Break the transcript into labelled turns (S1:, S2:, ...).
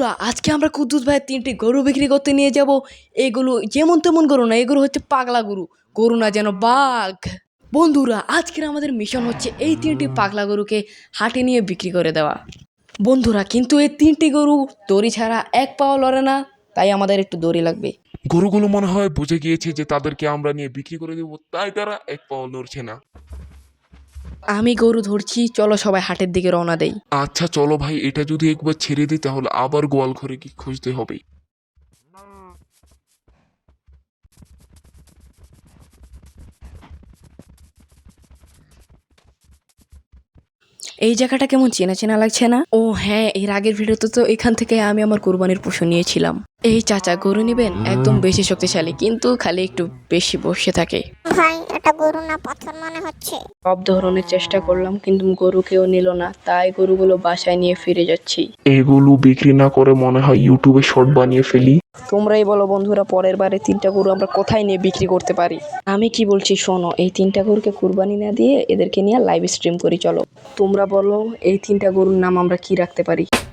S1: বন্ধুরা আজকে আমরা কুদ্দুস ভাইয়ের 3টি গরু বিক্রি করতে নিয়ে যাব। এগুলো যেমন তেমন গরু না, এগুলো হচ্ছে পাগলা গরু, গরু না যেন বাঘ। বন্ধুরা আজকের আমাদের মিশন হচ্ছে এই 3টি পাগলা গরুকে হাটে নিয়ে বিক্রি করে দেওয়া। বন্ধুরা কিন্তু এই 3টি গরু দড়ি ছাড়া এক পাও লড়ে না, তাই আমাদের একটু দড়ি লাগবে।
S2: গরুগুলো মনে হয় বুঝে গিয়েছে যে তাদেরকে আমরা নিয়ে বিক্রি করে দেবো, তাই তারা এক পাও নড়ছে না।
S1: আমি গরু ধরছি, চলো সবাই হাটের দিকে রওনা দেই।
S2: আচ্ছা চলো ভাই, এটা যদি একবার ছেড়ে দিই তাহলে আবার গোয়াল ঘরে কি খুঁজতে হবে।
S1: এই জায়গাটা কেমন চেনা চেনা লাগছে না? ও হ্যাঁ, এর আগের ভিডিওতে তো এখান থেকে আমি আমার কুরবানির পশু নিয়েছিলাম। এই চাচা গরু নেবেন? একদম বেশি শক্তিশালী, কিন্তু খালি একটু বেশি বসে থাকে।
S3: ভাই এটা গরু না পাথর মনে হচ্ছে।
S1: সব ধরনের চেষ্টা করলাম কিন্তু গরু কেউ নিল না, তাই গরুগুলো বাসায় নিয়ে ফিরে যাচ্ছি।
S2: এগুলো বিক্রি না করে মনে হয় ইউটিউবে শর্ট বানিয়ে ফেলি।
S1: তোমরাই বলো বন্ধুরা, পরের বারে 3টা গরু আমরা কোথায় নিয়ে বিক্রি করতে পারি? আমি কি বলছি শোনো, এই 3টা গরুকে কুরবানি না দিয়ে এদেরকে নিয়ে লাইভ স্ট্রিম করি। চলো তোমরা বলো এই 3টা গরুর নাম আমরা কি রাখতে পারি?